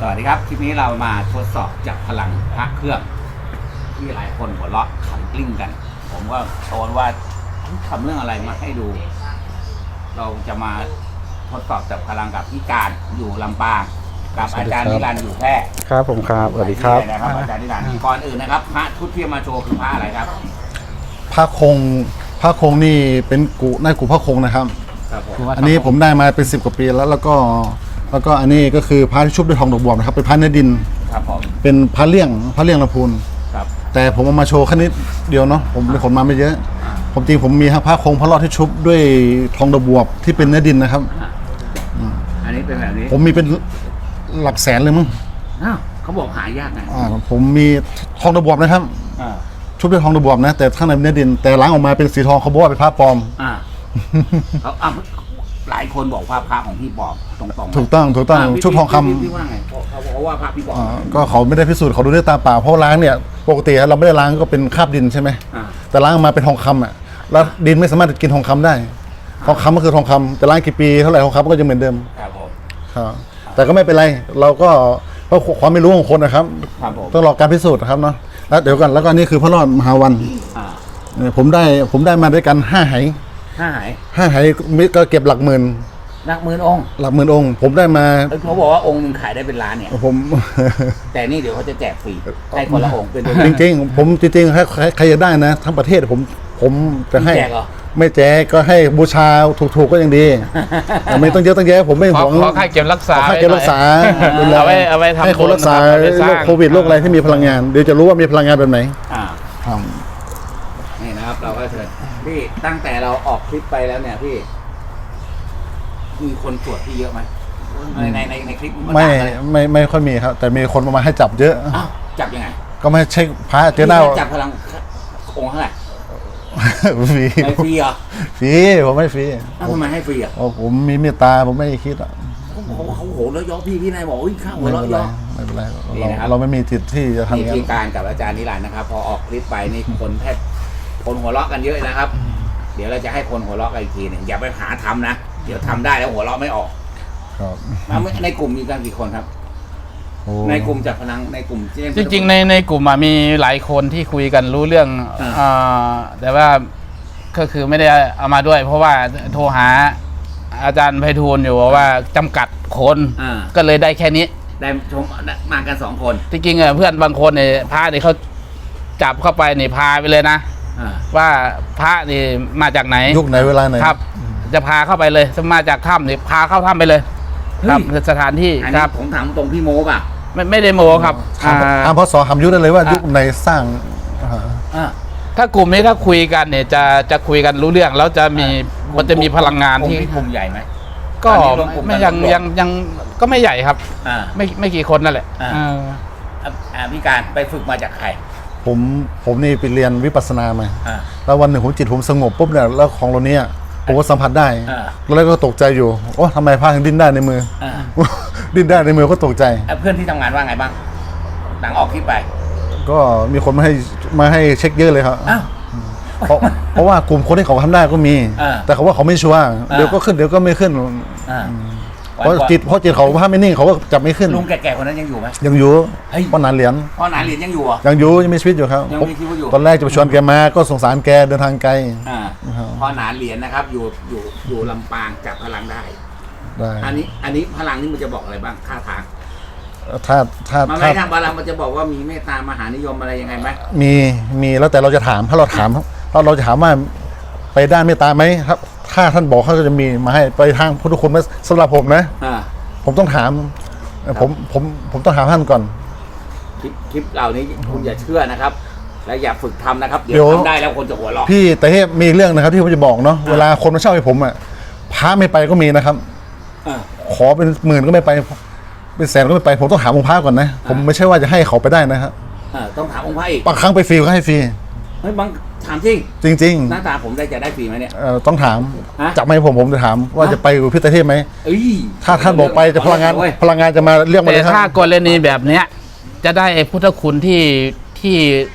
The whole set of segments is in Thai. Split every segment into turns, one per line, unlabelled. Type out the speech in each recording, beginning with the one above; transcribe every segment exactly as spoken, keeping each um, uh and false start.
วัสดีครับคลิปนี้เรามาทดสอบจับพลังพระเครื่องที่หลายคนหัวเราะขำกลิ้งกันผมก็โชว์ว่าทำเรื่องอะไรมาให้ดู เราจะมาทดสอบจับพลังกับพี่การอยู่ลำปางกับอาจารย์นิรันดร์อยู่แพร่
ครับผมครับสวัสดีครับ
นะครับอาจารย์นิรันดร์ก่อนอื่นนะครับพระชุดที่มาโชว์คือพระอะไรครับ
พระคงพระคงนี่เป็นกุนายกุพระคงนะครับ
ครับผม
อันนี้ผมได้มาเป็นสิบกว่าปีแล้วแล้วก็แล้วก็อันนี้ก็คือพระที่ชุบด้วยทองดอกบัวนะครับเป็นพระเนื้อดิน
ครับผม
เป็นพระเลี่ยงพระเลี่ยงลำพูน
ครับ
แต่ผมเอามาโชว์แค่นิดเดียวเนาะผมเป็นคนมาไม่เยอะผมจริงผมมีพระคงพระรอดที่ชุบด้วยทองดอกบัวที่เป็นเนื้อดินนะครับ
อันนี้เป็นแบบนี้
ผมมีเป็นหลักแสนเลยมั้ง
อ้าวเขาบอกหายากไง
อ่าผมมีทองดอกบัวนะครับ
อ่า
ชุบด้วยทองดอกบัวนะแต่ข้างในเป็นเนื้อดินแต่ล้างออกมาเป็นสีทองเขาบอกว่าเป็นพระปลอม
อ่าเขาอ่าหลายคนบอกว่าพระของพี่ปลอมตรงๆ
ถูกต้องถูกต้องชุบทองคำ
พี่ว่าไงเขาบอกว่าพระพี่ปลอม
ก็เขาไม่ได้พิสูจน์เขาดูด้วยตาเปล่าเพราะล้างเนี่ยปกติเราไม่ได้ล้างก็เป็นคราบดินใช่ไหมแต่ล้างออกมาเป็นทองคำอ่ะแล้วดินไม่สามารถกินทองคำได้ทองคำก็คือทองคำแต่ล้างกี่ปีเท่าไหร่ทองคำก็จะเหมือนเดิม
ครับผม
ครับแต่ก็ไม่เป็นไรเราก็เพราะความไม่รู้ของคนนะครับต้องรอการพิสูจน์นะครับเนาะแล้วเดี๋ยวกันแล้วก็นี่คือพระรอดมหาวันผมได้ผมได้มาด้วยกันห้าไห
ห้าไห
ห้าไหก็เก็บหลักหมื่น
หลักหมื่นองค์
หลักหมื่นองค์ผมได้มา
เขาบอกว่าองค์นึงขายได้เป็นล้านเนี่ย
ผม
แต่นี่เดี๋ยวเขาจะแจกฟรีให้คนละองค์เป็น
จริงจริงผมจริงๆใครใครจะได้นะทั้งประเทศผมผมจะให้ไม่แจกก็ให้บูชาถูกๆก็ยังดีไม่ต้องเยอะต้องแยะผมไม่หวง
ขอค่าเก็บรักษา
ค่าเก็บรักษา
เอาไว้เอาไว้ทำ
ให้คนรักษาโรคโควิดโรคอะไรที่มีพลังงานเดี๋ยวจะรู้ว่ามีพลังงานแบบไหน
อ่านี่นะครับเราก็เชิญพี่ตั้งแต่เราออกคลิปไปแล้วเนี่ยพี่มีคนตรวจพี่เยอะไหมในในในในคลิป
ไม่ไม่ไม่ค่อยมีครับแต่มีคนมาให้จับเยอะ
จับยังไง
ก็ไม่เช็คพระเจอหน้า
จับพลังองค์เท่าไหร่
ฟรี
ไม่ฟรีเหรอ
ฟรีผมไม่ฟรี
ทำไมให้ฟรีอ่ะ
ผมมีเมตตาผมไม่คิดอ่ะ
เขาเขาโหแล้วย่อพี่พี่นายบอกอุ้ยข้าวหัวเราะย่อ
ไม่เป็นไรเราเราไม่มีจิตที่จะทำ
อย่างนี้พี่การกับอาจารย์นิรันดร์นะครับพอออกคลิปไปนี่คนแทบคนหัวเราะกันเยอะนะครับเดี๋ยวเราจะให้คนหัวเราะกันอีกทีหนึ่งอย่าไปหาทำนะเดี๋ยวทำได้แล้วหัวเราะไม่ออก
ครับ
ในกลุ่มมีกันกี่คนครับในกลุ่มจับพลังในกลุ่ม
จริงๆในในกลุ่มมีหลายคนที่คุยกันรู้เรื่องแต่ว่าก็คือไม่ได้เอามาด้วยเพราะว่าโทรหาอาจารย์ไพฑูรย์อยู่ว่าจำกัดคนก็เลยได้แค่นี้
ได้ชมมากันสองคน
จริงๆเพื่อนบางคนเนี่ยพระเนี่ยเขาจับเข้าไปนี่พาไปเลยนะว่าพระนี่มาจากไหน
ยุคไหนเวลาไหน
ครับจะพาเข้าไปเลยมาจากถ้ำนี่พาเข้าถ้ำไปเลยครับสถานที่ครับ
ผมถามตรงพี่โมป่ะ
ไม่ไม่ได้โมครับ
ถามพศหำยุคได้เลยว่ายุคไหนสร้าง
ถ้ากลุ่มนี้ถ้าคุยกันเนี่ยจะจะคุยกันรู้เรื่องแล้วจะมีมันจะมีพลังงานที่
กลุ่มใหญ่ไหม
ก็ไม่ยังยังยังก็ไม่ใหญ่ครับไม่ไม่กี่คนนั่นแหละ
พี่การไปฝึกมาจากใคร
ผมผมนี่ไปเรียนวิปัสสนามาแล้ววันหนึ่งผมจิตผมสงบปุ๊บเนี่ยแล้วของเราเนี้ยผมก็สัมผัสได้แล้วก็ตกใจอยู่โอ้ทำไมผ้าถึงดิ้นได้ในมือดิ้นได้ในมือก็ตกใจ
เพื่อนที่ทำงานว่าไงบ้างหลังออกคลิปไป
ก็มีคนมาให้มาให้เช็คเยอะเลยครับเพราะเพราะว่ากลุ่มคนที่เขาทำได้ก็มีแต่เขาว่าเขาไม่ชัวร์เดี๋ยวก็ขึ้นเดี๋ยวก็ไม่ขึ้นเพราะจิตเพราะจิตเขาภาพไม่นิ่งเขาก็จับไม่ขึ้น
ลุงแก่ๆคนนั้นยังอยู่ไหม
ยังอยู่พ่อหนานเหรียญ
พ่อหนานเหรียญยังอยู่อ่ะ
ยังอยู่ยังมีชีวิตอยู่ครับ
ยังมีชีวิตอยู่
ตอนแรกจะไปชวนแกมาก็สงสารแกเดินทางไกล
พ่อหนานเหรียญนะครับอยู่อยู่อยู่ลำปางจับพลังได้อันนี้อันนี้พลังนี่มันจะบอกอะไรบ้างท่าทาง
ถ้าถ้า
มันไม่ทางพลังมันจะบอกว่ามีเมตตามหานิยมอะไรยังไงไหม
มีมีแล้วแต่เราจะถามถ้าเราถามถ้าเราจะถามว่าไปด้านเมตตาไหมครับถ้าท่านบอกเขาก็จะมีมาให้ไปทางพุทธคุณไหมสำหรับผมนะผมต้องถามผมผมผมต้องถามท่านก่อน
คลิปคลิปเหล่านี้คุณอย่าเชื่อนะครับและอย่าฝึกทำนะครับเดี๋ยวทำได้แล้วคนจะหัวเราะ
พี่แต่เฮ้มีเรื่องนะครับที่ผมจะบอกเนาะเวลาคนมาเช่าให้ผมอ่ะพระไม่ไปก็มีนะครับขอเป็นหมื่นก็ไม่ไปเป็นแสนก็ไม่ไปผมต้องถามองค์พระก่อนนะผมไม่ใช่ว่าจะให้เขาไปได้นะครับ
ต้องถามองค์พระอีก
บางครั้งไปฟรีก็ให้ฟรี
เฮ้ยบางถามจริง
จริงจริง
หน้าตาผมได้จะได้ฟรีไหมเนี่ย
ต้องถามจับไม่ผมผมจะถามว่าจะไปอยู่พิเศษไหมถ้าท่านบอกไปจะพลังงานพลังงานจะมาเรียกมาเลย
แต่ถ้ากรณีแบบเนี้ยจะได้พุทธคุณที่ที่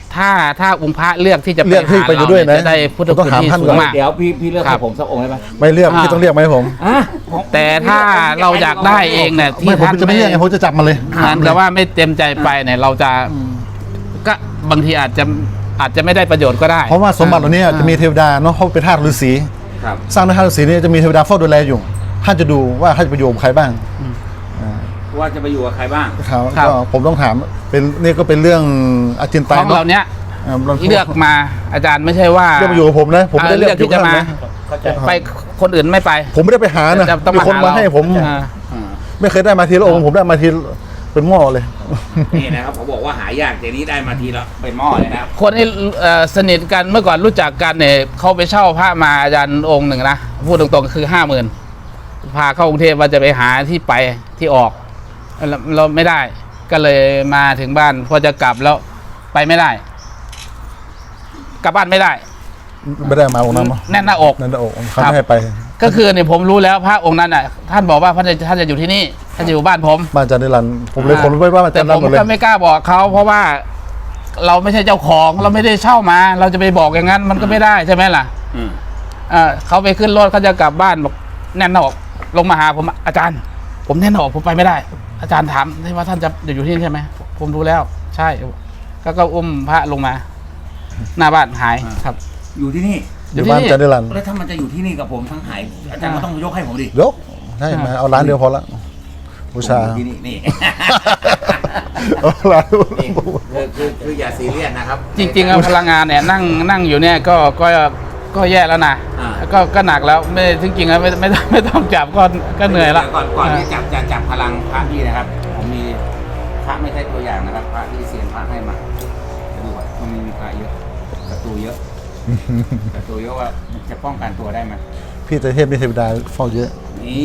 ถ้าถ้าองค์พระเลือกที่จะ
เลือกที่
หา
ไปอยู่ด้วยนะ
จะได้พุทธ
ผมต้อ
คุณ
งถาม
ที่
ท่าน
สู
ก่อง น
มาก
เดี๋ยวพี่พี่เลือก
ครั
ให้
บ
ผมสักองค์ได้ไหม
ไม่เลือก
อ่า
พี่ต้องเรียกไหมาให้ผม
อ่ะผม
แต่ถ้าเราอยากได้เองเนี่ยที่
ไม่ผม
ท่าน
จะไม่เรียกไงผมจะจับมาเลย
เหมือนกับว่าไม่เต็มใจไปเนี่ยเราจะก็บางทีอาจจะอาจจะไม่ได้ประโยชน์ก็ได้
เพราะว่าสมบัติเหล่านี้จะมีเทวดาเนาะเขาเป็นธาตุฤาษี
ครับ
สร้างด้วยธาตุฤาษีเนี่ยจะมีเทวดาเฝ้าดูแลอยู่ท่านจะดูว่าท่านจะไปอยู่กับใครบ้าง
ว่าจะไปอยู่กับใครบ้าง
ครับ
ครับ
ก็ผมต้องถามเป็นนี่ก็เป็นเรื่องอาจินไต
ของ
เนาะ
เราเนี้ย
อ่าเรา
เลือกมาอาจารย์ไม่ใช่ว่า
เลือกมาอยู่กับผมนะผมไม่ได้เลือก
ที่จะมา
อยู่กับท่านนะ
เข้าใจ
ไปคนอื่นไม่ไป
ผมไม่ได้ไปหานะ
จะต้อง
มี
มา
คน
หา
มา
เรา
ให้ผม
อ่า
อ่า
ไม่เคยได้มาทีละองค์ผมได้มาทีเป็นหม้อเลย
นี่นะครับผมบอกว่าหายากเดี๋ยวนี้ได้มาทีละเป็นหม้อเลยนะครับ
คนที่เอ่อสนิทกันเมื่อก่อนรู้จักกันเนี่ยเขาไปเช่าพระมาอาจารย์องค์หนึ่งนะพูดตรงๆคือห้าหมื่นพาเข้ากรุงเทพว่าจะไปหาที่ไปที่ออกเราเราไม่ได้ ก็เลยมาถึงบ้านพอจะกลับแล้วไปไม่ได้ กลับบ้านไม่ได้
ไม่ได้มาองค์นั้นเนาะ
แน่นหน้าอก
นั่นแหละองค์เขาไม่ให้ไป
ก็คือเนี่ยผมรู้แล้วพระองค์นั้นอ่ะท่านบอกว่าท่านจะท่านจะอยู่ที่นี่ท่านจะอยู่บ้านผม
บ้านอาจารย์นิรันดร์ผมเลยคนไว้ว่าอาจา
แต่
รย์
ผ
นิรันด
ม
ร์หมดเลย
ก็ไม่กล้าบอกเขาเพราะว่าเราไม่ใช่เจ้าของ เราไม่ได้เช่ามา เราจะไปบอกอย่างนั้นมันก็ไม่ได้ใช่ไหมล่ะ
อืม
เอ่อเขาไปขึ้นรถเขาจะกลับบ้านบอกแน่นหน้าอกลงมาหาผมอาจารย์ ผมแน่นหน้าอกผมไปไม่ได้ อาจารย์ถามที่ว่าท่านจะอยู่ที่นี่ใช่ไหมผมรู้แล้ว ใช่ ก็ก็อุ้มพระลงมา หน้าบ้านหายครับ
อยู่ที่นี่
อยู่บ้านอาจารย์นิรันดร์
แล้วถ้ามันจะอยู่ที่นี่กับผมทั้งหายอาจารย์ก็ต้องยกให้ผมดิ
ยกใช่มาเอาร้านเดียวพอละบูชา
ผมอยู่ที่นี่นี่
เอาร้าน
นี่คือคือคืออย่าซีเรียสนะครับ
จริงๆอะพลังงานเนี่ยนั่งนั่งอยู่เนี่ยก็ก็ก็แย่แล้วนะ
อ่า
ก็ก็หนักแล้วไม่จริงๆแล้วไม่ไม่ต้องไม่ต้องจับก็ก็เหนื่อยละ
ก่อนก่อนที่จับจะจับพลังพระพี่นะครับ ผมมีพระไม่ใช่ตัวอย่างนะครับ พระที่เซียนพระให้มาจะดูว่ามันมีพระเยอะศัตรูเยอะศัตรูเยอะว่าจะป้องกันตัวได้ไหม
พี่เทพนี่เทวดาเฝ้าเยอะ
นี่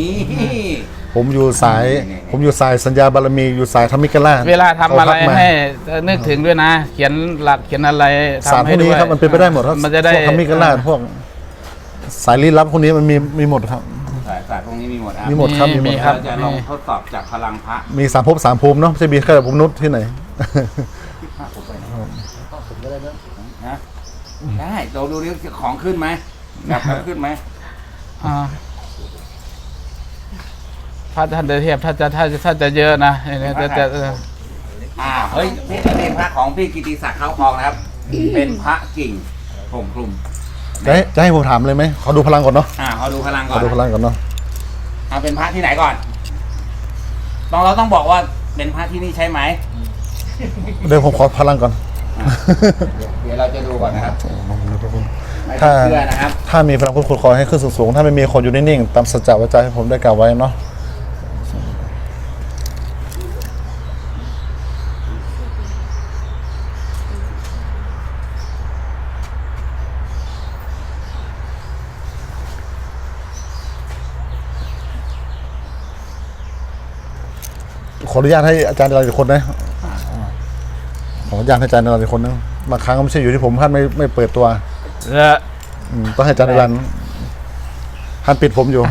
ผมอยู่สาย
นี่ๆ
ผมอยู่สายสัญญาบารมีอยู่สายธรรมิกราช
เวลาทำอะไร
เขาทักมา
ให้นึกถึงด้วยนะ เขียนหลักเขียนอะไร
ศาสตร์พ
ทำให้
วก
ด้
นี้
วย
ครับมันเป็นไปได้หมดครับ
มันจะได้
พวกธรรมิกราชพวกสายลี้ลับพวกนี้มันมีมีหมดครับ
ศาสตร์ศาสตร์พวกนี้มีหมดอ่ะ
มีหมดครับมีหมด
มี
ค
ครั
รับ
บ
เราจะลองทดสอบจากพลังพระ
มีสามภพสามภูมิเนาะไม่ใช่มีแค่ภูมินุษย์ที่ไหน
ที่พระผมไปนะผมก็ได้นะนะได้เราดูดิของขึ้นไหมแบบขึ้นไหม
อ่าพระท่านเทพถ้าจะถ้าจะถ้าจะเยอะนะเนี่ยจะจะเออ
อ่าเฮ้ยนี่เป็นพระของพี่กิติศักดิ์เขาคลองนะครับ เป็นพระกิ่งผมคลุม
จะให้จะให้ผมถามเลยไหมขอดูพลังก่อนเนาะ
อ่าเขาดูพลัง
ข
ก่
อ
อน
ดูพลังก่อนเนาะ
เอาเป็นพระที่ไหนก่อนต้องเราต้องบอกว่าเป็นพระที่นี่ใช่ไหม
เดี๋ยวผมขอพลังก่อน
เดี๋ยวเราจะดูก่อนนะครับไม่ต้
ถ้า
องเชื่อนะครับ
ถ้ามีพลังพุทธคุณขอให้ขึ้นสูงๆถ้าไม่มีคนอยู่นิ่งๆตามสัจจะวาจาที่ผมได้กล่าวไว้เนาะขออนุญาตให้อาจารย์อะไรอีกคนนะขออนุญาตให้อาจารย์อะไรอีกคนนึงบางครั้งก็ไม่ใช่อยู่ที่ผมท่านไม่ไม่เปิดตัว
แล้ว
อืมต้องให้อาจารย์รันท่านปิดผมอยู่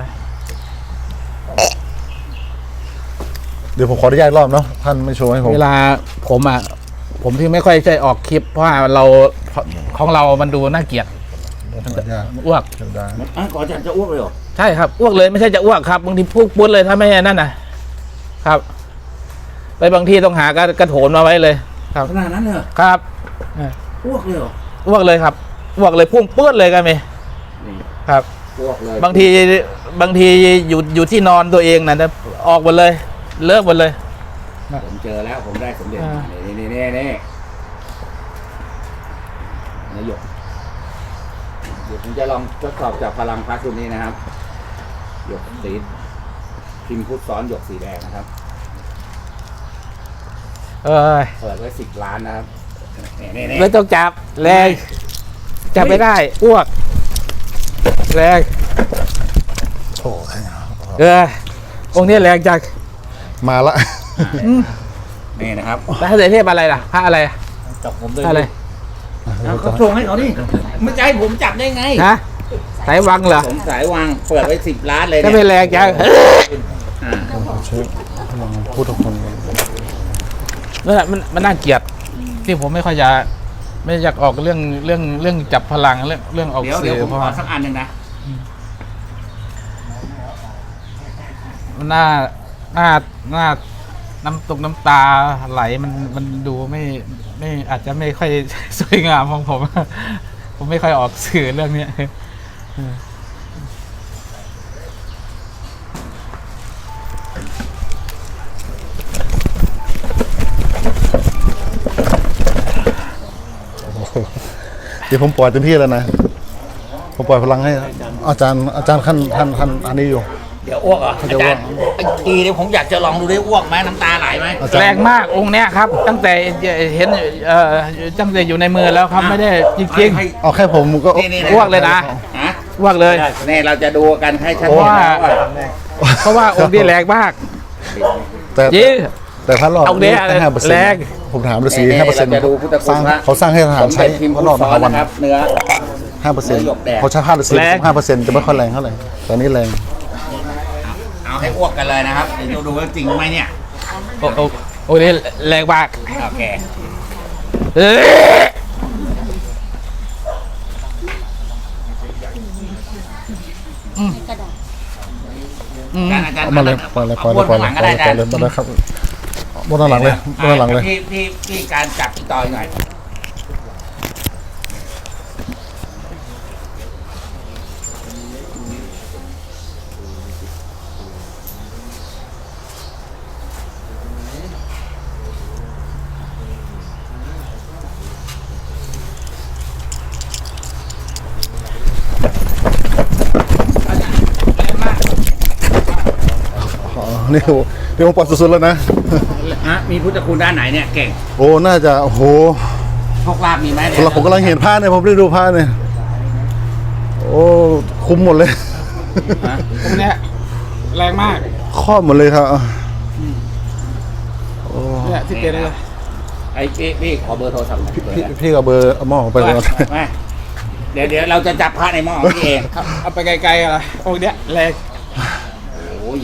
เดี๋ยวผมขออนุญาตอีกรอบเนาะท่านไม่โชว์ให้ผม
เวลาผมอ่ะผมที่ไม่ค่อยใจออกคลิป เพราะว่าเราของเรามันดูน่าเกลียด
ขออนุญาต
อ้วก
เดี๋ยวได้
อ่ะก่อนจะจะอ้วกเลยเหรอ
ใช่ครับอ้วกเลยไม่ใช่จะอ้วกครับบางทีพูดปุ้นเลยถ้าไม่นั่นนะครับ ไปบางทีต้องหากระกระโถนมาไว้เลย ครับ
ขนาดนั้นเลยเหรอ
ครับ
อ้วกเลยเหรอ
อ้วกเลยครับอ้วกเลยพุ่งปื้ดเลยกันไหม
นี่
ครับ
อ้วกเลย
บางทีบางทีอยู่อยู่ที่นอนตัวเองนะนะออกหมดเลย เลิกหมดเลย
ผมเจอแล้วผมได้สมเด็จ
อ่า
มานี่นี่นี่นี่นายกเดี๋ยวผมจะลองทดสอบจากพลังพระชุดนี้นะครับหยกสีพิมพ์พุทธซ้อนหยกสีแดงนะครับ
เอ้ย
เปิดไว้สิบล้านนะครับนี่นี่นี่
ไม่ต้องจับแรงจับไม่ได้อ้วกแรง
โถ่
เออองค์นี้แรงจัง
มาละ
นี่นะครับ
แล้วพระเทพอะไรล่ะพระอะไร
จับผมเลย
พระอะไร
เอาเขาส่งให้เขาดิไม่ใช่ผมจับได้ไง
ฮะสายวังเหรอ
ผมสายวางเปิดไว้สิบล้านเลย
ก็
เนี่ย
ไม่แรงจัง
อ่า
เชื่อพลังพุทธคุณ
นั่นแหละมันมันน่าเกลียดที่ผมไม่ค่อยจะไม่อยากออกเรื่องเรื่องเรื่องจับพลังเรื่องเรื่องออก
เดี๋ยว
สื่
เดี๋ยว
อ
ผม
เพราะ
ขอ
ว่า
สักอันหนึ่งนะ
หน้าหน้าหน้าน้ำตกน้ำตาไหลมันมันดูไม่ไม่อาจจะไม่ค่อย สวยงามของผม ผมไม่ค่อยออกสื่อเรื่องเนี้ย
เดี๋ยวผมปล่อยเต็มที่แล้วนะผมปล่อยพลังให้อาจารย์อาจารย์ขั้นท่านท่านอันนี้อยู่
เดี๋ยวอ้วกเหรอ
เขา
อา
จะ
จารย์ไอ้ทีเดี๋ยวผมอยากจะลองดูได้อ้วกไหมน้ำตาไหลไหม
อาจารย์
แรงมากองค์เนี้ยครับ ตั้งแต่เห็นเอ่อตั้งแต่อยู่ในมือแล้วครับไม่ได้จริง
ให้
เอาแค่ผมก็
นี่นี่
อ้วกเลยนะ
ฮะ
ๆอ้วกเลย
นี่เราจะดูกันให้ชัด
เพราะ
เจน
ว่า
นะว่า
เพราะว่าองค์นี้แรงมาก
แต่
จริง
แต่พระรอด
เอาเนี่ย
ห้าเปอร์เซ็น
แรง
ต์ผมถามฤาษีห้าเปอร์เซ็นต์
เราจะดูพุทธ
ส
คุณ
ร้าง
พระ
เขาสร้างให้ทหารใช้
สมเด็จพิมพ์
พระ
พุท
รอด
ธ
ม
ซ้อ
หาน วัน
นะครับเนื้อ
ห้าเปอร์เซ็นต์
หยกแดง
เขาใช้ห้าเปอร์เซ็นต์
แรง
ห้าเปอร์เซ็นต์จะไม่ค่อยแรงเท่าไหร่แต่อันนี้แรง
เอาให้อ้วกกันเลยนะครับเดี๋ยวดูว่าจริงไหมเนี่ย
โอ้โอ้โอ้นี่แรงมาก
โอเค
เอ้ยอืม
อาจารย์อาจารย์
เอามาเลยปล่อยเลยปล่อยเลยปล่อยเลยปล่อยเลยปล่อยเลยปล่อยเลยครับบนด้านหลังเลยบนด้านหลังเลย
พี่พี่พี่การจับพี่ต่อยหน่อยแรงมาก
อ๋อนี่โอ้นี่ผมปล่อยสุดๆแล้วนะ
ฮะมีพุทธคุณด้านไหนเนี่ยเก่ง
โอ้น่าจะโอ้โห
โชคลาภมีไหมเนี่
สำหรับผมกำลังเห็นผ้าเนี่ยผมได้ดูผ้าเนี่ยโอ้คุ้มหมดเลย
ฮะ
องค์เนี้ยแรงมาก
ครอบหมดเลยครับโอ้
เนี่ยที่เกิดเลย
ไอ้พี่พี่ขอเบอร์โทรศัพท์หน่อยเบอร์
พี่
อะไร
พี่กับเบอร์เอาหม้อไปเลย
ไม่เดี๋ยวเดี๋ยวเราจะจับพระในหม้อของพี่เอง
ครับเอาไปไกลๆอะไรองค์เนี้ยแรง
โอ้ย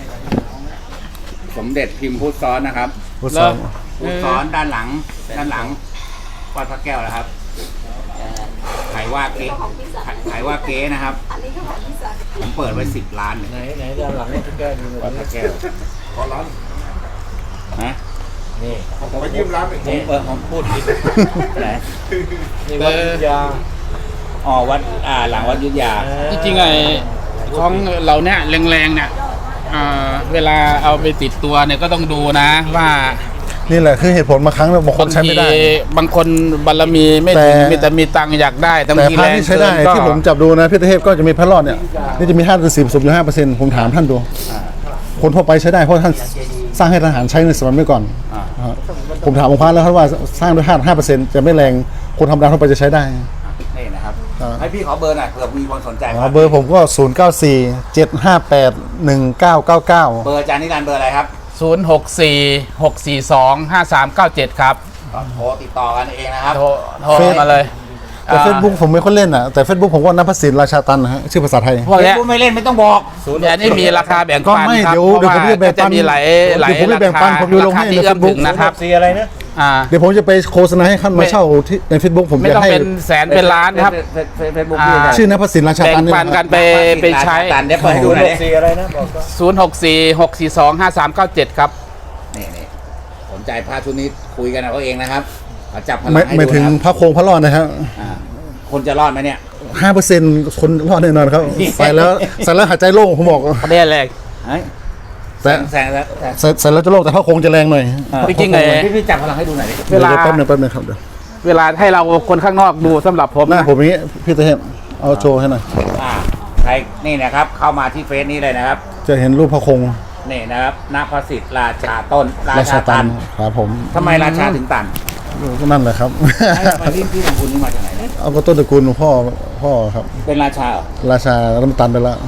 สมเด็จพิมพ์พุทธซ้อนนะครับ
พุทธสอน
พุทธซ้อนด้านหลัง ด้านหลังวัดพระแก้วนะครับขายว่าเก๊ขายว่าเก๊นะครับผมเปิดไว้สิบล้านไหนไหนด้านหลังวัดพระแก้ววัดพระแก้วขอร้านฮะนี่ผมยืมร้านผมเออผมพูดผิดไหน
นี่วัดยุธยา
อ๋อวัดอ่าหลังวัดยุทธยา
จริงๆไอ้ของเราเนี่ยแรงๆเนี่ยอ่าเวลาเอาไปติดตัวเนี่ยก็ต้องดูนะว่า
นี่แหละคือเหตุผลบางครั้งบางคนใช้ไม่ได้
บางคนบารมีไม่ถึง
แต่
มีแต่มีตังค์อยากได้แต่
แต่
บางที
พระ
แรง
ที่ใช้
เกิ
ได้
นก็
ที่ผมจับดูนะพี่เทพก็จะมีพระรอดเนี่ยนี่จะมีห้าถึงสิบผสมอยู่ห้าเปอร์เซ็นต์ผมถามท่านดู คนทั่วไปใช้ได้เพราะท่านสร้างให้ทหารใช้ในสมัยเมื่อก่อน
อ่า
อ่าผมถามองค์พระแล้วครับว่าสร้างด้วยห้าห้าเปอร์เซ็นต์จะไม่แรงคนธรรมดาทั่วไปจะใช้ได้
นี่นะครับ
อ่า
ให้พี่ขอเบอร์หน่อยเผื่อมีคนสนใจ
อ๋อเบอร์ผมก็ศูนย์เก้าสี่เจ็ดห้าแปดหนึ่งเก้าเก้าเก้า
เบอร์อาจารย์นิรันดร์เบอร์อะไรครับ
ศูนย์หกสี่หกสี่สองห้าสามเก้าเจ็ดครับ
ก็โทรติดต่อกันเองนะครับ
โทรโทรมาเลย
แต่เฟซบุ๊กผมไม่ค่อยเล่นอ่ะแต่เฟซบุ๊กผมก็นับพสินราชาตันนะฮะชื่อภาษาไทย
พวก
เฟซ
เนี้ย
บุ๊กไม่เล่นไม่ต้องบอก
เนี่ยนี่มีราคาแบ่ง
ก็
ปัน
ไม่
ครับ
เดี๋ยว
เพราะ
เดี๋ยวผม
ว่า
จะแบ่ง
จะ
ปัน
มีหลายหลาย
เดี๋ยวผมจะแบ่ง
รา
ปั
คาน
ผมจะลง
ราคา
ให้
ที่
ใน
เอื้อมถึง
Facebook
นะครับ
สีอะไรนะบอกก็
อ่า
เดี๋ยวผมจะไปโฆษณาให้ขั้นมาเช่าที่ในเฟซบุ๊กผม
ไม่
จะ
ต้อง
ให้
เป็นแสนเป็นล้านครับ
เฟซบุ๊กพี่
อ่า
ชื่อนับพสินราชา
แบ่ง
ตันนี่
ปัน
นะค
กั
รั
น
บ
ไปไปใช้
ตันเดี๋ยวเปิดให้ดู
ศูน
ห
ย์
น่อย
หก
ดิ
สี่อะไรนะบอกก็
ศูนย์หกสี่หกสี่สองห้าสามเก้าเจ็ดครับ
นี่นี่สนใจพระชุดนี้คุยกันเอาเองนะครับเอาจับพลัง
ไม่
ให้
ไม่
ดู
ถึง
นะครับ
พระโคงพระรอดนะครับ
อ่าคนจะรอดไหมเนี่ย
ห้าเปอร์เซ็นต์คนรอดแน่นอนครับ ใส่แล้วใส่แล้วหายใจโล่งผมบอก
ประเด็นแรก
เฮ้ย
แต่
แซงแล้วแซง
ใส่ใส่แล้วจะโล่งแต่พระโคงจะแรงหน่อย
จริงๆไง
พี่พี่จับพลังให้ดูหน่อยดิ
เวลา
ดี๋ยแป๊บหนึงแป๊บหนึงครับเดี๋ยว
เวลาให้เราคนข้างนอกดูสำหรับผม
หน้า
นะ
ผมอย่างงี้พี่เทพเอาโชว์ให้หน่อย
อ่าใครนี่นะครับ เข้ามาที่เฟซนี้เลยนะครับ
จะเห็นรูปพระโคง
นี่นะครับณพระสิทธิ์ราชาต้นรา
รา
ชา
ชาตั
ตั
น
น
ครับผม
ทำไมราชาถึงตัน
ก็นั่นแหละครับ
ไอ้มาที่ที่ของคุณนี่มาจากไหนเนี่ย
เอาก็ต้นตระกูลของพ่อพ่อครับ
เป็นราชาเหรอ
ราชาแล้วมันตันไปแล้ว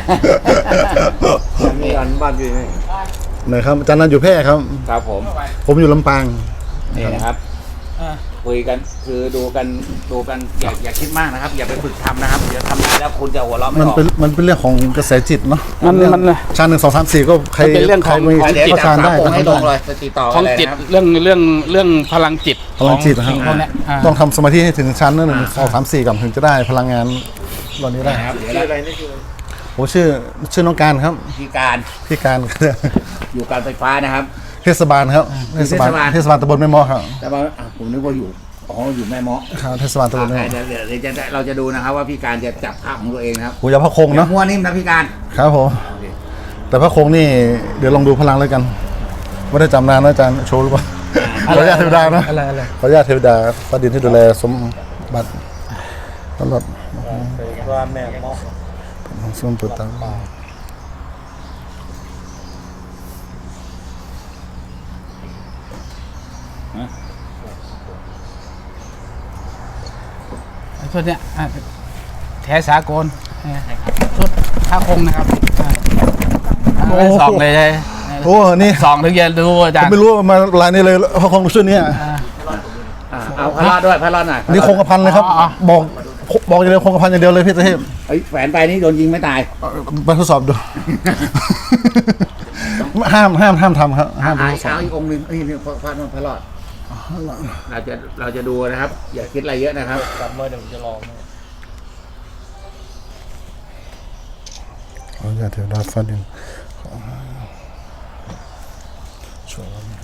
มีอันบ้านอยู่นี่
นะครับอาจารย์นันอยู่แพร่ครับ
ครับผม
ผมอยู่ลำปาง
นี่นะครับ
อ่า
พคุยกันคือดูกันดูกันอย่าอย่าคิดมากนะครับ อย่าไปฝึกทำนะครับเดี๋ยวทำได้แล้วคุณจะหัวเราะไม่
มัน
ออก
เป็นมันเป็นเรื่องของกระแสจิตเนาะ
มัน
เรื่อง
มัน
ชาหนึ่งสองสามสี่ก็ใคร
มันเป็นเรื่องของ
ใครมี
เดี๋ยว
ก็
จั
ชา
บ
ได้
สามองค์ให้ลงเลย
ทำ
ไปติดต่อ
ของ
เลย
จิต
นะครับ
เรื่องเรื่องเรื่องพลังจิต
พลังจิตนะค
ข
รั
อบ งพวกเนี้ยอ่า
ต้องทำสมาธิให้ถึงชั้นนั้นหนึ่งสองสามสี่ก่อนถึงจะได้พลังงานเหล่านี้ได้
นะครับเดี๋ยว
ชื่อ
เรา
อะไรนี่คือ
ผมชื่อชื่อน้องการครับ
พิการ
พี่การ
อยู่การไฟฟ้านะครับ
เทศบาลครับเทศบาล
เทศบาล
เทศบาลตำบลแม่มอครับ
แต่ว่าอ่ะผมนึกว่าอยู่อ๋ออยู่แม่เมาะ
ครับเทศบาลตำบลแม่มอ
เดี๋ยวเดี๋ยวเดี๋ยวจะเราจะดูนะครับว่าพี่การจะจับภาพของตัวเองนะครับ
หูยาพระคง
อย่า
เนาะ
มัวนิ่มนะพี่การ
ครับผมแต่พระคงนี่เดี๋ยวลองดูพลังแล้วกันไม่ได้จำนานนะอาจารย์โชว์หรือเปล่าขออนุญาตเทวดานะ
อะไรอะไร
ขออนุญาตเทวดาฟ้าดินที่ดูแลสมบัติตลอด
เป็นว่าแม่เมาะ
ของสมปุตตัง
ไอ้ชุดเนี้ยอ่ะแท้สากลอ่าชุดผ้าคงนะครับอ่าอ่าสองเลยใช่
โอ้นี่
สองถึงจะดูอาจาร
ผม
ย์
ไม่รู้ว่ามาลายนี้เลยพระคงชุดเนี้ย
อ่า
อ่ะเอาพระรอดด้วยพระรอดหน่อย
นี่คงกระพันเลยครับ
อ๋อ
บอกบอกอย่างเดียวคงกระพันอย่างเดียวเลยพี่เทพ
เฮ้ยแฝนไปนี่โดนยิงไม่ตาย
มาทดสอบดู ห้ามห้ามห้ามทำครับห้าม
หาย
ทดสอ
เช้า
บ
อีกองค์หนึ่งเอ้ยนี่พระพระพระรอดเราจะเราจะดูนะครับ อย่าคิดอะไรเยอะนะครับ
กลับมาเดี๋ยวผมจะลอง
ขออนุญาตเทวดาฟ้าดินช่วย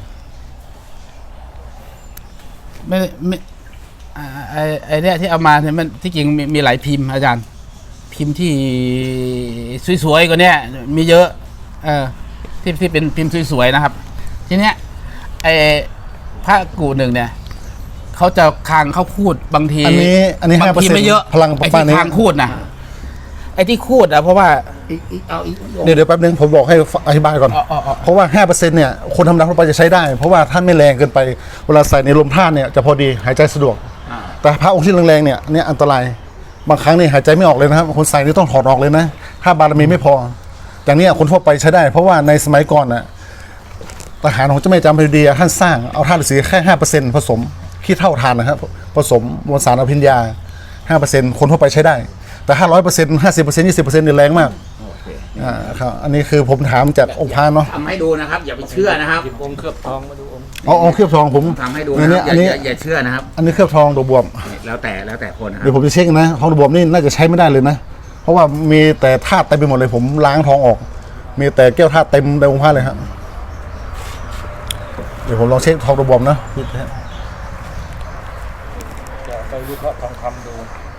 ไม่ไม่อ่าไอไอเนี้ยที่เอามาเนี่ยมันที่จริงมีมีหลายพิมพ์อาจารย์ พิมพ์ที่สวยๆกว่าเนี้ยมีเยอะเออที่ที่เป็นพิมพ์สวยๆนะครับ ทีเนี้ยไอพระกูหนึ่งเนี่ยเขาจะคางเขาคูดบางที
อันนี้อันนี้
บา
ห้าง เปอร์
ที
เซ็นต์
ไม่เยอะ
พลังป
ไอ้
ระมาณ
ที่
นี้
คางคูดนะไอ้ที่คูดอะเพราะว่า
อีกอีกเอาอีกองค์
เดี๋ยวเดี๋ยวแป๊บนึงผมบอกให้อธิบายก่อน
อ๋ออ๋ออ๋อ
เพราะว่าห้าเปอร์เซ็นต์เนี่ยคนธรรมดาทั่วไปจะใช้ได้ เพราะว่าท่านไม่แรงเกินไปเวลาใส่ในลมท่านเนี่ยจะพอดีหายใจสะดวก
อ่า
แต่พระองค์ที่แรงๆเนี่ยเนี่ยอันตรายบางครั้งนี่หายใจไม่ออกเลยนะครับคนใส่นี่ต้องถอดออกเลยนะถ้าบารมีไม่พออย่างเนี้ยคนทั่วไปใช้ได้ เพราะว่าในสมัยก่อนน่ะทหารของเจ้าแม่จามพดีท่านสร้างเอาธาตุฤาษีแค่ห้าเปอร์เซ็นต์ผสมขี้เท่าทานนะครับผสมมวลสารอภิญญาห้าเปอร์เซ็นต์คนทั่วไปใช้ได้ แต่ห้าร้อยเปอร์เซ็นต์ห้าสิบเปอร์เซ็นต์ยี่สิบเปอร์เซ็นต์นี่แรงมาก
โอเค
อ่าครับอันนี้คือผมถามจากองค์พระเนาะ
ทำให้ดูนะครับ อย่าไปเชื่อนะครับ
หยิบองค์เคลือบทองมาดูองค์
เอาเอาเคลือบทองผม
ทำให้ดู
อั
นะ
น
ค
นี้
รับ
อันนี้
อย่าอย่าอย่าเชื่อนะครับ
อันนี้เคลือบทองดอกบวบ
นี่แล้วแต่แล้วแต่คนนะครั
เดี๋ย
บ
วผมจะเช็คนะทองดอกบวบนี่น่าจะใช้ไม่ได้เลยนะ เพราะว่ามีแต่ธาตุเต็มไปหมดเลย ผมล้างทองออก มีแต่แก้วธาตุเต็มในองค์พระเลยครับเดี๋ยวผมลองเช็คทองดอกบวบนะ
จะไปวิเคราะห์ทองคำดู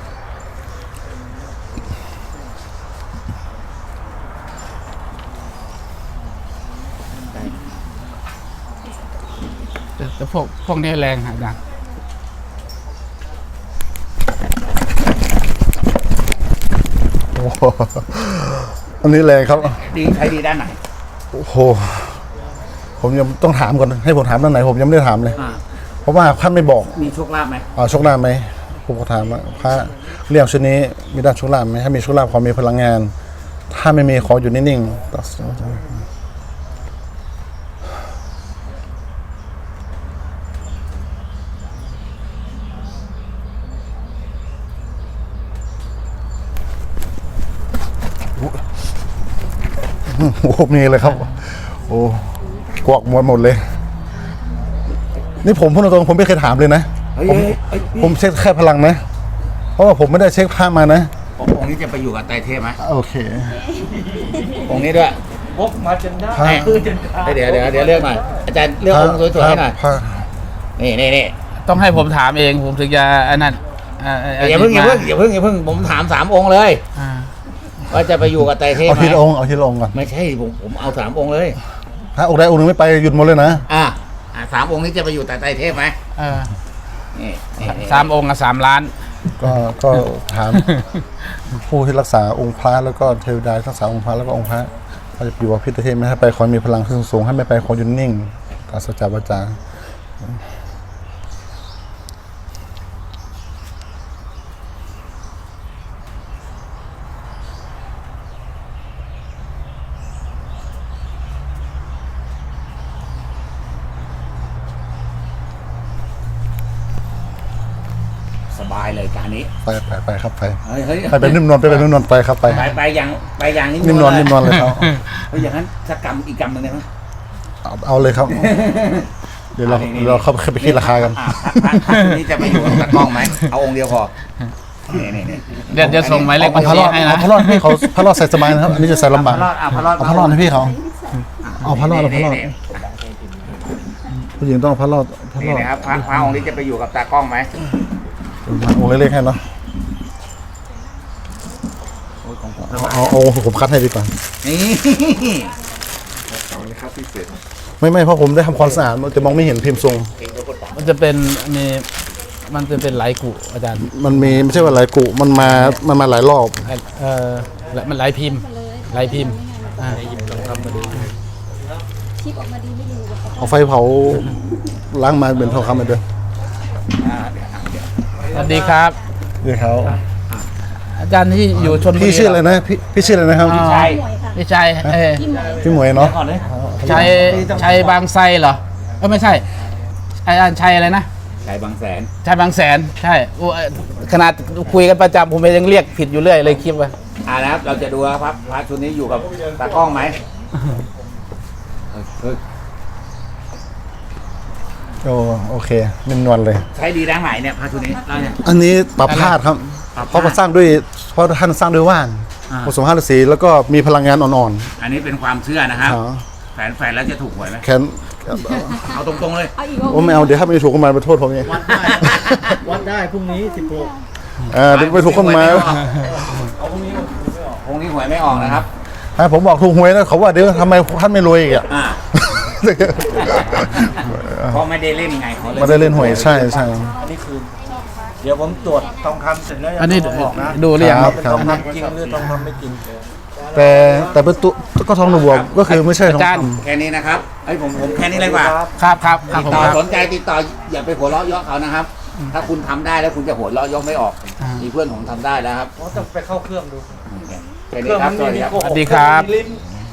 แต่แต่พวกพวกนี้แรงอาจารย์
โอ้โหอันนี้แรงครับ
ดีใช้ดีด้านไหน
โอ้โหผมยังต้องถามก่อนให้ผมถามด้านไหนผมยังไม่ได้ถามเลย
อ่า
เพราะว่าท่านไม่บอก
มีโชคลาภไหม
อ่าโชคลาภไหมผมก็ถามว่าพระเรื่องชุดนี้มีด้านโชคลาภไหมถ้ามีโชคลาภขอมีพลังงาน ถ้าไม่มีขออยู่นิ่งๆตัดสินใจโอ้โหมีเลยครับ โอ้กวกหมดหมดเลย นี่ผมพูดตรงๆผมไม่เคยถามเลยนะ
เฮ้ย
ผม
เฮ้ยเฮ้ย
ผมเช็คแค่พลังนะ เพราะว่าผมไม่ได้เช็คภาพมานะ
องค์นี้จะไปอยู่กับไตรเทพไหม
โอเค
องค์นี้ด้วย
พกมาจนได้
พระ
คือจนได้
เดี๋ยวเดี๋ยวเดี๋ยวเลือกหน่อยอาจารย์เลือกองค์สวยๆให้หน่อย
พระ
นี่นี่นี่
ต้องให้ผมถามเองผมถึงจะอันนั้นอ่า
อย่าเพิ่งอย่าเพิ่งอย่าเพิ่งอย่าเพิ่งผมถามสามองค์เลย
อ่า
ว่าจะไปอยู่กับไตรเทพ
เอา
ไหม
ทีละองค์เอาทีละองค์ก่อน
ไม่ใช่ผมผมเอาสามองค์เลย
ถ้าองค์ใดองค์หนึ่งไม่ไปหยุดหมดเลยนะ
อ่ะอ่ะสามองค์นี้จะไปอยู่แต่ไตรเทพไหม
เออ
นี่นี่นี่
สามองค์กับสามล้าน
ก็ก็ถาม ผู้ที่รักษาองค์พระแล้วก็เทวดารักษาองค์พระแล้วก็องค์พระเขาจะอยู่กับพิเทพไม่ให้ไปคอยมีพลังขึ้นสูงให้ไม่ไปคอยหยุดนิ่งตาสัจจวาจา
เลยการนี้
ไปไปไปครับไป
เฮ้ยเฮ้ย
ไปเป็นนิ่มนวลไปเป็นนิ่มนวลไปครับไป
ไปไปอย่างไปอย่างนี้
นิ่มนวลนิ่มนวลเลยครับ
เฮ้ยอย่างนั้นสักกรรมอีกกรรมหนึ่งได้ไหม
เอาเอาเลยครับ เดี๋ยวเรา
อ่ะนี่
เราเข้าไปคิดราคากัน
อ่ะพระพระองค์นี้จะไปอยู่กับตากล้องไหมเอาองค์เดียวพอนี่นี่นี่
เดี๋ยวจะส่งหมายเลข
เอา
บัญ
พระ
ชี
รอด
ให้
เอา
นะ
พระรอดให้เขาพระรอดใส่สบายนะครับอันนี้จะใส่ลำบาก
พระรอดอ่ะพระรอด
เอาพระรอดให้พี่เขา เอาพระรอดเอาพระรอด
นี่
ผู้หญิงต้องเอาพระรอดพระ
นี่
รอด
นะครับพระพระองค์นี้จะไปอยู่กับตากล้องไหม
องค์เล็กๆให้เนาะเอาเอาเอาผมคัดให้ดีกว่า
นี่
ไม่ไม่เพราะผมได้ทำความสะอาดมันจะมองไม่เห็นพิมพ์ทรง
มันจะเป็นมีมันจะเป็นไหลกุอาจารย์
มันมีไม่ใช่ว่าหลายกุมันมามันมาหลายรอบ
เออและมันไหลพิมพ์ไหลพิมพ์อ่า
คลิปออกมาดีไม่รู้ว่าเขา
เอาไฟเผาล้างมาเป็นทองคำเหมือนเดิม
อ่าเดี๋ยวเดี๋ยว
สวัสดีครับ
เดี๋ยวเขา
อาจารย์ที่อยู่ชนบุรี
พี่ชื่ออะไรนะพี่พี่ชื่ออะไรนะครับ
อ๋อ
ใช่
พี่ชัยเออ
ที่หมวย
พี่หมวยเนาะ
ก่อนเลย
ชัยชัยบางไทรเหรอเออไม่ใช่อาจารย์ชัยอะไรนะ
ใช้บางแสน
ชัยบางแสนใช่โอ้เอ่อขนาดคุยกันประจำผมยังเรียกผิดอยู่เรื่อยเลยคลิปว่า
อ่านะครับเราจะดูว่าพระพระชุดนี้อยู่กับตากล้องไหมเฮ้ย
โอ้โอเคเป็นนวลเลย
ใช้ดีด้านไหนเนี่ยพระชุดนี้เราเนี่ย
อันนี้ปรับพาดครับ
ปรับพาด
เพราะมันสร้างด้วยเพราะท่านสร้างด้วยว่าน
อ่า
ผสมห้าฤาษีแล้วก็มีพลังงานอ่อน
อันนี้เป็นความเชื่อนะค
ๆ
รับ
อ๋อ
แฝนแฝนแล้วจะถูกหวยไหม
แขน
เอาตรงๆเลย
เอาอีก
โอ้ไม่เอาเดี๋ยวถ้าไม่ถูกก็มาไปโทษผมเอง
วัดได้วัดได้พรุ่งนี้สิบหก
อ่าเดี๋ยวไปถูกก็มา
เอาพรุ่งนี้ไม่ออก
พรุ่งนี้หวยไม่ออกนะครับ
อ่าผมบอกถูกหวยนะเขาว่าเดี๋ยวทำไมท่านไม่รวยอีกอ่ะ
อ่าเพราะไม่ได้เล่นไงเขาเลย
ไม่ได้เล่นหวยใช่ใช่
อันนี้คือ เดี๋ยวผมตรวจทองคำเสร็จแล้ว
อันนี้
จะบอกนะ
ดูเรียง
ครับ
เป็นทองคำจริงหรือทองคำไม่จริง
แต่แต่เป็นตุก็ทองหนูบวกก็คือไม่ใช่ทอง
อาจารย์
คำ
แค่นี้นะครับไอ้ยผมผมแค่นี้เลยดีกว่า
ครับครับครับ
ติด
ผม
ต่อ
ครับ
สนใจติดต่ออย่าไปหัวเราะเยาะเขานะครับ ถ้าคุณทำได้แล้วคุณจะหัวเราะเยาะไม่ออก
อ่ามี
มีเพื่อนผมทำได้แล้วครับ
เพราะต้องไปเข้าเครื่องดู
แค่
เค
นี้
รื่อง
ครับ
มัน
สวัสดี
มี
ครับ
โกหก
สวัสดีครับ
มีลิ้น